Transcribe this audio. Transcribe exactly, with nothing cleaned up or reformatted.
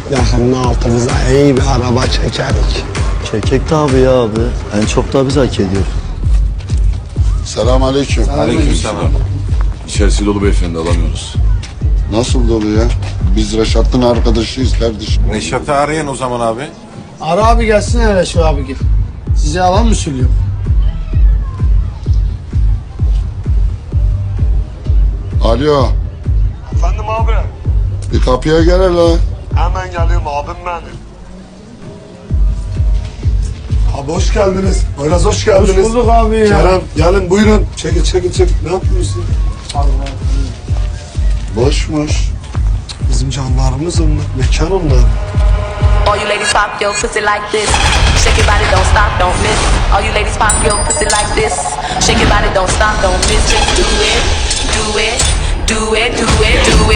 yakında altımıza iyi bir araba çekerik. Çekek tabi ya abi. En çok da biz hak ediyoruz. Selamünaleyküm. Aleykümselam. İçerisi dolu beyefendi, alamıyoruz. Nasıl dolu ya? Biz Reşat'ın arkadaşıyız kardeşim. Reşat'ı arayın o zaman abi. Ara abi gelsin hele şu abi gel. Size alan mı söylüyor? Alo, Efendim abi, bir kapıya gel hele. hemen geliyorum abim benim. Abi hoş geldiniz. Biraz hoş geldiniz. Hoş bulduk abi ya. Kerem gelin buyurun. Çekil çekil çekil. Ne yapıyorsun? Boşmuş. Bizim canlarımız onlar. Mekan onlar. All you ladies pop your pussy like this. Shake your body, don't stop, don't miss. All you ladies pop your pussy like this. Shake your body, don't stop, don't miss. Just do it, do it, do it, do it, do it.